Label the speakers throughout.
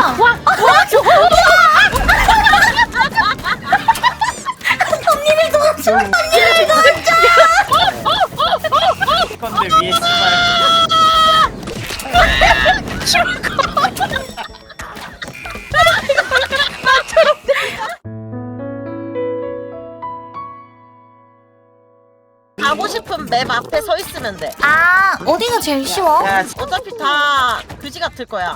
Speaker 1: 와 저거. 언니를 도와줘. 언니를 도와줘.
Speaker 2: 건데 위에 씨발.
Speaker 3: 가고 싶은 맵 앞에 서 있으면 돼.
Speaker 1: 아 어디가 제일 쉬워?
Speaker 2: 야,
Speaker 3: 어차피 다 그지 같을 거야.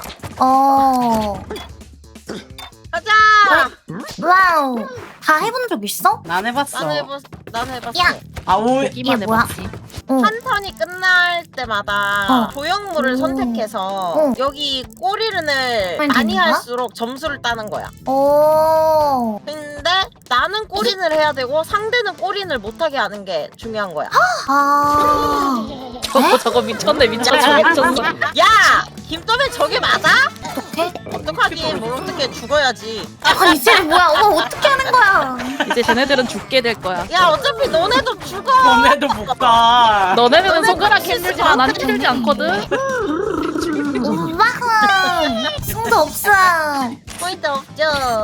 Speaker 3: 가자.
Speaker 1: 와우. 다 해본 적 있어?
Speaker 2: 난 해봤어.
Speaker 3: 난 해봤어.
Speaker 1: 야.
Speaker 2: 아오.
Speaker 1: 이게 뭐야?
Speaker 3: 한 턴이 끝날 때마다 조형물을 선택해서 여기 꼬리른을
Speaker 1: 하면
Speaker 3: 많이
Speaker 1: 되는 거야?
Speaker 3: 할수록 점수를 따는 거야.
Speaker 1: 오.
Speaker 3: 근데 나는 꼬린을 해야 되고 상대는 꼬린을 못하게 하는 게 중요한 거야.
Speaker 1: 아.
Speaker 4: 저거 미쳤네 미쳤어.
Speaker 3: 야! 김도배 저게 맞아?
Speaker 1: 어떡해?
Speaker 3: 어떡하니? 뭘 어떻게 죽어야지.
Speaker 1: 아 이제 뭐야? 엄마 어떻게 하는 거야?
Speaker 4: 이제 쟤네들은 죽게 될 거야.
Speaker 3: 야 어차피 너네도 죽어.
Speaker 2: 너네도 못 가.
Speaker 4: 너네는 손가락
Speaker 3: 실수
Speaker 4: 힘들지만 난 힘들지 않거든.
Speaker 1: 우와흥. 승도 없어.
Speaker 3: 포인트 없죠.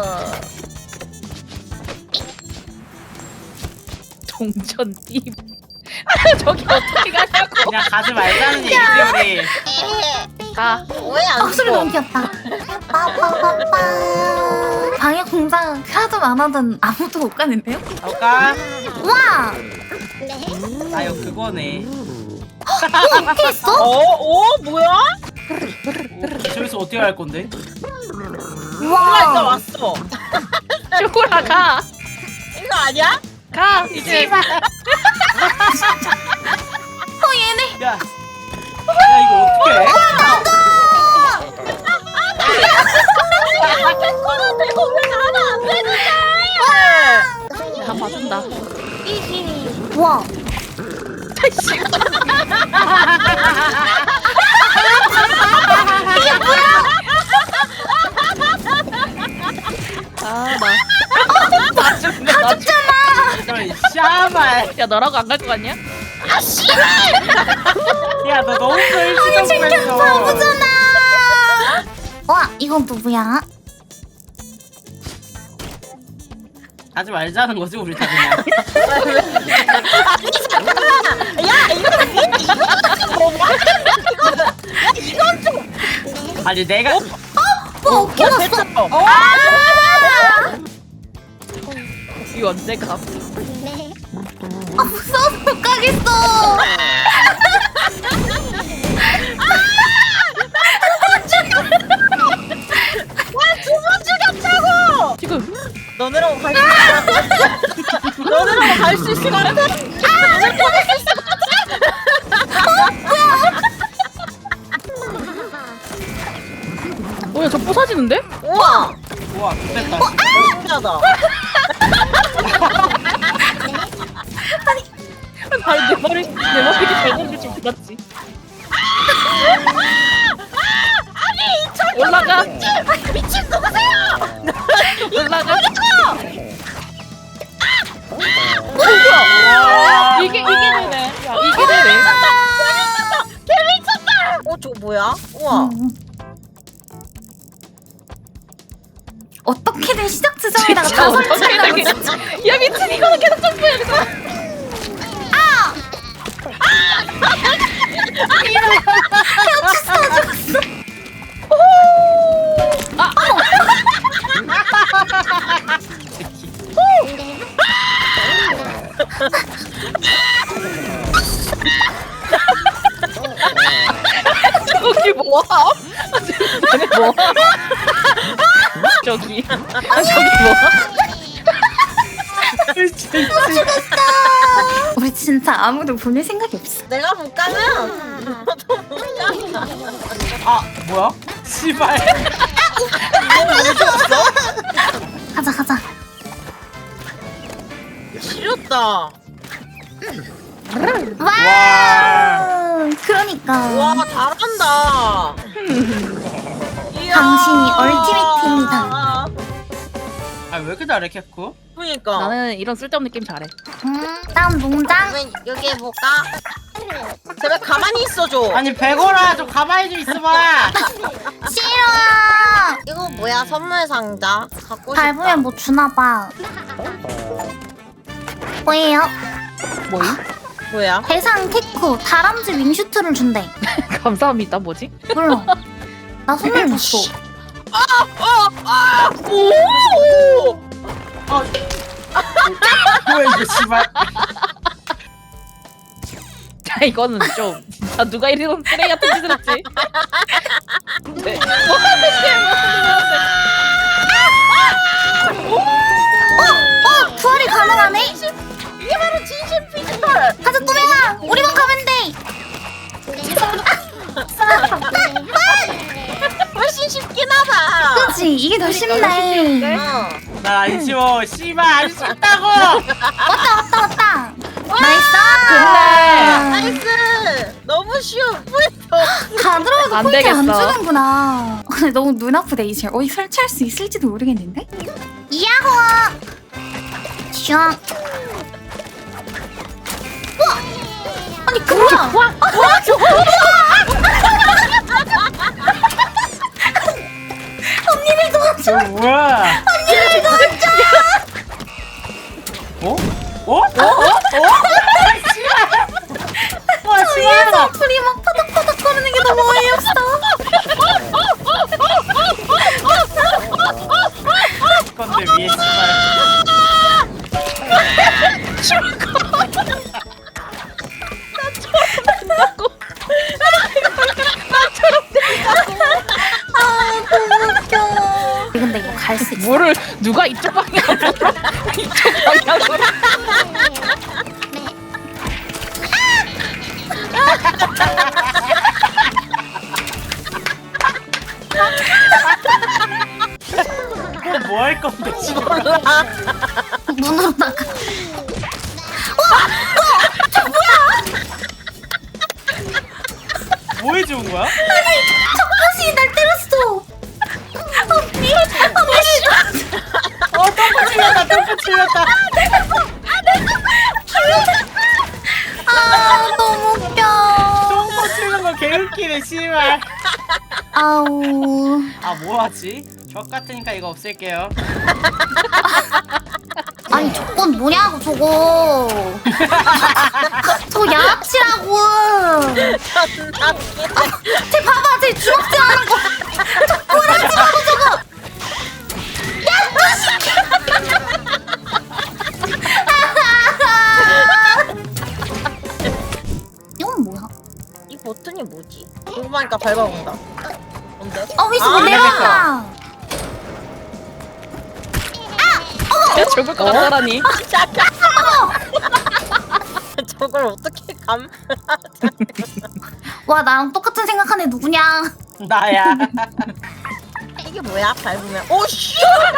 Speaker 4: 동전 띠. 저기 어떻게 가냐고.
Speaker 2: 그냥 가지 말자는 얘기지 우리.
Speaker 4: 가.
Speaker 3: 왜안
Speaker 1: 소리 너무 귀엽다. 빠빠빠빠. 방해 공장 하도 안 하던 아무도 못 가는데요?
Speaker 2: 갈까?
Speaker 1: 와.
Speaker 2: 아 이거 그거네.
Speaker 1: 어떻게 했어?
Speaker 3: 뭐야?
Speaker 2: 저기서 어떻게 할 건데?
Speaker 3: 몰라 일단
Speaker 1: 와.
Speaker 3: 왔어.
Speaker 4: 죽어라 가.
Speaker 3: 이거 아니야?
Speaker 4: 가 이제.
Speaker 1: 얘네.
Speaker 2: 야. 야 이거 어떻게 해?
Speaker 3: 백호는 되고 왜 나는 안 되는데?
Speaker 4: 다 봐준다.
Speaker 1: 와.
Speaker 4: 아 나. 나 죽네.
Speaker 2: 이런 샤말.
Speaker 4: 야 너라고 안 갈 거 같냐?
Speaker 2: 야 너 너무 불시정했어.
Speaker 1: 바보잖아. 와 이건 누구야?
Speaker 2: 가지 말자는 거지 우리 다 그냥.
Speaker 3: 야 이거 이건 좀.
Speaker 2: 아니 내가
Speaker 1: 뭐 어깨 났어?
Speaker 4: 이 언제 가?
Speaker 1: 아 무서워서 못 가겠어.
Speaker 3: 두번 죽였다고.
Speaker 4: 지금
Speaker 3: 너네라고 갈 수 있어. 너네라고 갈 수 있을 것 같아.
Speaker 4: 뭐야 저 부서지는데?
Speaker 3: 우와.
Speaker 2: 우와 좋겠다.
Speaker 3: 신기하다.
Speaker 4: 아니 내 머리 잘 던질 줄 몰랐지. 올라가.
Speaker 3: 미친 누구세요?
Speaker 4: 올라가.
Speaker 2: 와.
Speaker 4: 이게 되네. 야 이게 되네.
Speaker 3: 개미쳤다. 저거 뭐야? 우와.
Speaker 1: 어떻게든 시작 지점에다가
Speaker 4: 진짜
Speaker 1: 다
Speaker 4: 어떻게
Speaker 1: 설치한다고
Speaker 4: 되게.
Speaker 1: 진짜.
Speaker 4: 야 미친 이거는 계속 점프해야겠다. 저기 뭐야? 저기 뭐야? 저기 뭐야?
Speaker 1: 우리 진짜 아무도 보낼 생각이 없어.
Speaker 3: 내가 못 가면 너도 못 가.
Speaker 2: 아 뭐야? 씨발.
Speaker 1: 가자 가자.
Speaker 3: 지렸다.
Speaker 1: 와. 그러니까.
Speaker 3: 와 잘한다. 이야.
Speaker 1: 당신이 얼티메트입니다.
Speaker 2: 아 왜 이렇게 잘해 캐쿠?
Speaker 3: 그러니까.
Speaker 4: 나는 이런 쓸데없는 게임 잘해.
Speaker 1: 다음 농장.
Speaker 3: 그러면 여기 해볼까? 제발 가만히 있어줘.
Speaker 2: 아니 백오라 좀 가만히 좀 있어봐.
Speaker 1: 싫어.
Speaker 3: 이거 뭐야 선물 상자 갖고 싶다.
Speaker 1: 밟으면 뭐 주나봐. 뭐예요?
Speaker 4: 뭐임?
Speaker 3: 뭐야?
Speaker 1: 대상 테크 다람쥐 윙슈트를 준대.
Speaker 4: 감사합니다. 뭐지?
Speaker 1: 몰라. 나 선물 줬어.
Speaker 3: 오!
Speaker 2: 뭐야 이거 씨발.
Speaker 4: 야 이거는 좀 진짜 누가 이런 쓰레기 같은 짓을 했지? 네.
Speaker 1: 부활이 가능하네?
Speaker 3: 이게 바로 진심 피지컬.
Speaker 1: 가자 또맹아. 우리만 가면 돼.
Speaker 3: 훨씬 쉽긴 하다.
Speaker 1: 그렇지. 이게 더
Speaker 4: 쉽네.
Speaker 1: 쉽네.
Speaker 2: 난 안 쉬워. 씨발 안 쉽다고.
Speaker 1: 왔다. 나이스.
Speaker 3: 나이스. 너무 쉬워.
Speaker 1: 다 들어도
Speaker 4: 안
Speaker 1: 포인트 안
Speaker 4: 되겠어.
Speaker 1: 주는구나. 근데 너무 눈 아프다 이제. 어디 설치할 수 있을지도 모르겠는데? 야호! 슝. 우와! 아니 그 뭐야? 언니를 도와줘.
Speaker 2: 저 뭐야?
Speaker 1: 언니를 도와줘.
Speaker 2: 어? 어? 와
Speaker 1: 위에서
Speaker 2: 씨발.
Speaker 1: 둘이 막 파닥파닥 거리는 게 너무 어이없어.
Speaker 2: 건데 위에 씨발.
Speaker 1: 아 너무 웃겨. 근데 이거 갈 수 있어.
Speaker 4: 물을 누가 이쪽 방향으로 이쪽 방향으로
Speaker 2: 뭐 할 건데 씨발.
Speaker 1: 문으로 나가.
Speaker 2: 뭐 해준 거야?
Speaker 1: 다시 날 때렸어. 언니 싫어.
Speaker 2: 똥꼬 찔렸다. 똥꼬 찔렸다.
Speaker 1: 아 너무 웃겨.
Speaker 2: 똥꼬 찔린 거 개웃기네 씨발.
Speaker 1: 아우.
Speaker 2: 아 뭐하지? 적 같으니까 이거 없앨게요.
Speaker 1: 아니 조건 뭐냐고 저거. 저 양아치라고. 쟤 봐봐 쟤 주먹질 하는 거. 조건 하지 말고 저거. 이건 뭐야?
Speaker 3: 이 버튼이 뭐지? 궁금하니까 밟아본다. 뭔데?
Speaker 1: 위서
Speaker 3: 아,
Speaker 1: 내려간다.
Speaker 4: 야 죽을 것 같다라니.
Speaker 3: 잠깐. 저걸 어떻게 감?
Speaker 1: 와 나랑 똑같은 생각하는 애 누구냐?
Speaker 2: 나야.
Speaker 3: 이게 뭐야? 밟으면 오 씨!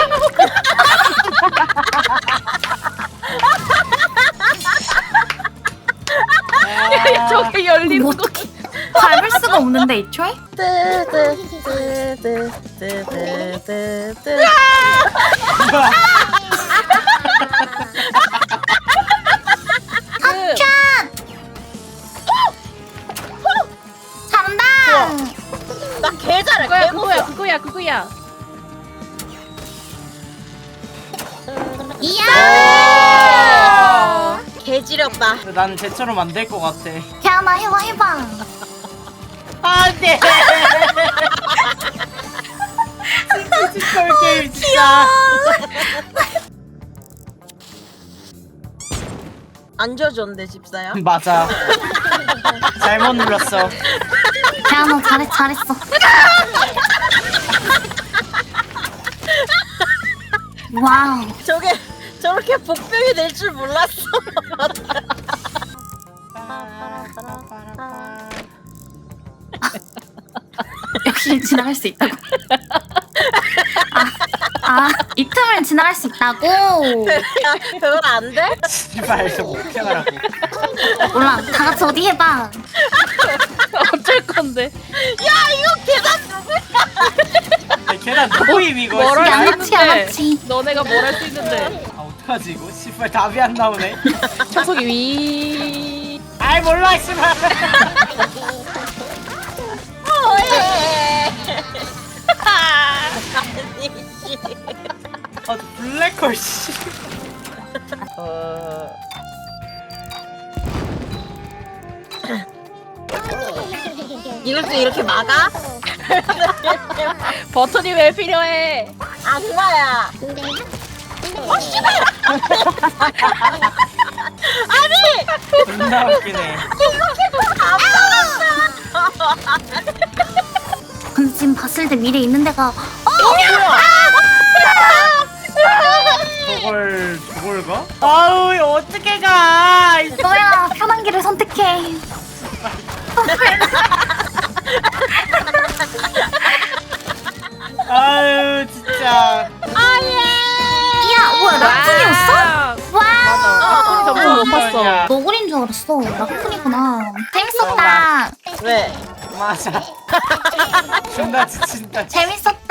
Speaker 4: 저게 열리는
Speaker 1: 뭐
Speaker 4: 거.
Speaker 1: 어떻게 밟을 수가 없는데 애초에?
Speaker 3: 뜨뜨뜨뜨뜨뜨뜨.
Speaker 1: 잘한다.
Speaker 3: 나 개 잘해.
Speaker 4: 그거야
Speaker 3: 개
Speaker 4: 그거야
Speaker 3: 못해.
Speaker 4: 그거야 그거야.
Speaker 1: 이야.
Speaker 3: 개 지렸다.
Speaker 2: 난 쟤처럼 안 될 것 같아.
Speaker 1: 걔하나 해봐.
Speaker 2: 안돼. 진짜 게임 진짜.
Speaker 3: 안 져줬는데 집사야.
Speaker 2: 맞아. 잘못 눌렀어.
Speaker 1: 걔하나 잘했어. 와우.
Speaker 3: 저게 저렇게 복병이 될 줄 몰랐어.
Speaker 1: 여기를 지나갈 수 있다고. 이 틈을 지나갈 수 있다고.
Speaker 3: 그건 안 돼?
Speaker 2: 씨발 저거 어떻게 하라고.
Speaker 1: 몰라. 다 같이 어디 해봐.
Speaker 4: 어쩔 건데.
Speaker 3: 야 이거 계단
Speaker 2: 걔랑 누구임 이거.
Speaker 4: 뭐라
Speaker 2: 씨발.
Speaker 1: 양아치, 양아치.
Speaker 4: 너네가 뭘 할 수 있는데.
Speaker 2: 아 어떡하지 이거. 씨발 답이 안 나오네.
Speaker 4: 청소기 위.
Speaker 2: 아이 몰라 씨발.
Speaker 3: 뭐해?
Speaker 2: 아 블랙홀 씨.
Speaker 3: 이걸 또 이렇게 막아?
Speaker 4: 버튼이 왜 필요해?
Speaker 3: 아 그거야. 어 씨발! 아니
Speaker 2: 존나 웃기네.
Speaker 1: 근데 지금 봤을 때 미래 있는 데가
Speaker 2: 저걸 가? 아우 이거 어떻게 가?
Speaker 1: 너야 편한 길을 선택해.
Speaker 2: 아유 진짜.
Speaker 1: 야 뭐야 라쿤이었어? 와.
Speaker 4: 맞아. 전부 못 봤어.
Speaker 1: 너구리인 줄 알았어. 라쿤이구나. 재밌었다.
Speaker 3: 왜?
Speaker 2: 맞아. 존나 지친다.
Speaker 1: 재밌었다.